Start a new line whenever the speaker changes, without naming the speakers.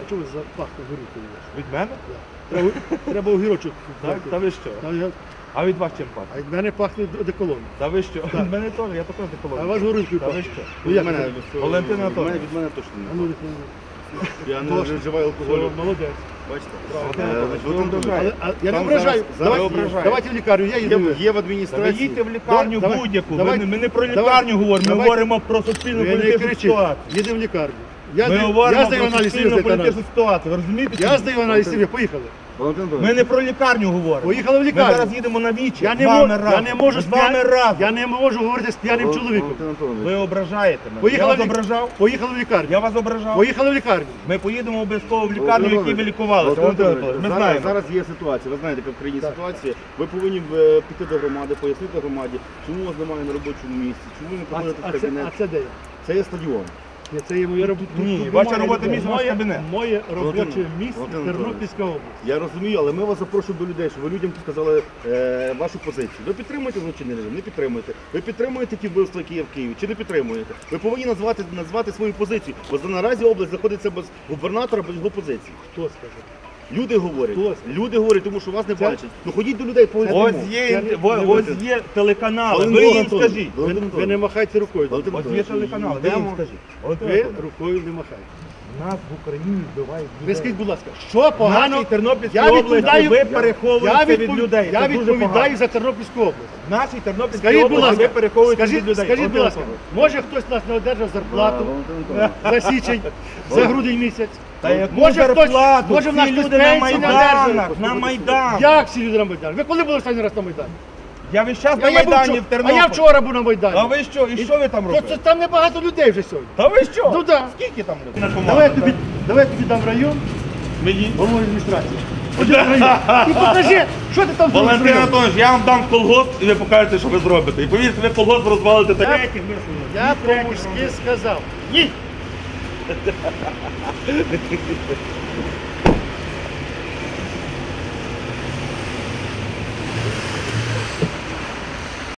чого запахло горілкою?
Від мене?
Треба огірочок.
Та ви що? А від вас чим
А
пахне?
від мене пахне одеколон.
Та ви що? Від мене теж, я також
А
деколон.
вас горілкою
Та ви
пахне.
що?
Ну, як?
Валентина Анатоліївна.
Від мене точно
А
не.
ну,
Я не вживаю алкоголю.
молодець.
Бачите?
Ви ображаєте.
Я не
Там
ображаю.
зараз
Давайте- Давайте в лікарню, я їду.
Є в
Та ви
адміністрації.
їдьте в лікарню
Давай,
будь-яку.
давай,
Ми не про
давай,
лікарню говоримо, ми
давай.
говоримо про суспільну
Ви не
політичну
кричіть.
ситуацію.
Їдемо в лікарню.
Ми
Я
говоримо
здаю
про
аналіз
суспільну
сім'ї.
політичну ситуацію, ви розумієте?
Я здаю аналіз сім'ї, поїхали.
Валентин
Ми
Анатолійович,
не про лікарню говоримо.
Поїхали в
Ми
лікарню.
зараз їдемо на вічі.
Я
з вами разом.
не можу
з вами разом.
Я не можу говорити з п'яним чоловіком.
Валентин Анатолійович,
Ви ображаєте мене.
Поїхали
Я
в
вас
лік-
ображав?
Поїхали в лікарню.
Я вас ображав?
Поїхали в лікарню.
Ми поїдемо обов'язково в лікарню, в якій ви лікувалися.
Валентин
Валентин
Анатолійович,
Анатолійович, Ми знаємо.
Зараз є ситуація, ви знаєте, яка в країні ситуація. Ви повинні піти до громади, пояснити громаді, чому вас немає на робочому місці, чому ви не приходите в кабінет.
А це де я?
Це є стадіон.
Ні, це є моє робоче
Ні, ваше робоче місце, ваш кабінет.
Моє робоче місце
Валентин
Тернопільська область.
Я розумію, але ми вас запрошуємо до людей, щоб ви людям сказали вашу позицію. Ви підтримуєте злочинний режим? Не підтримуєте. Ви підтримуєте ті вбивства, які є в Києві, чи не підтримуєте? Ви повинні назвати свою позицію, бо наразі область знаходиться без губернатора, без його позиції.
Хто скаже?
Люди говорять,
Хто?
тому що вас не бачать. Ну ходіть до людей, поясніть.
Ось є телеканали,
Валентин
ви їм
Анатолійович,
скажіть.
Ви не махайте рукою.
Валентин
Ось є
Анатолійович,
телеканали, ви їм
йдемо.
скажіть. Валентин
Ви
Анатолійович,
рукою не махайте.
нас в Україні вбивають
Ви
людей.
скажіть, будь ласка, що
В
погано?
нашій Тернопільській
Я
області
відповідаю-
ви переховуєте від людей.
Я
Це дуже
відповідаю
погано.
за Тернопільську область.
В нашій Тернопільській
Скажіть, будь
області ви
ласка,
переховуєте від людей.
скажіть, будь
Валентин
ласка,
Анатолійович.
може хтось нас не одержав зарплату
Валентин Анатолійович.
за січень, за грудень місяць?
Та яку
Може хтось-
зарплату?
може в нас
Всі
хтось
люди на
пенсії не
Майданах,
одержує?
на Майдан.
Як всі люди на Майдані? Ви коли були останній раз на Майдані?
Я весь час на
А я був
Майдані
вчора-
в Тернополі.
А я вчора був на Майдані.
А ви що? І що ви там
То
робите?
це там небагато людей вже сьогодні.
Та ви що?
Ну да.
Скільки там людей?
Давай я тобі дам район,
Мені?
голову адміністрації. Ходи в район. І покажи, що ти там зробиш.
Валентин Анатолійович, я вам дам колгосп і ви покажете, що ви зробите. І повірте, ви колгосп розвалите так.
Я по-мужськи сказав. Ні.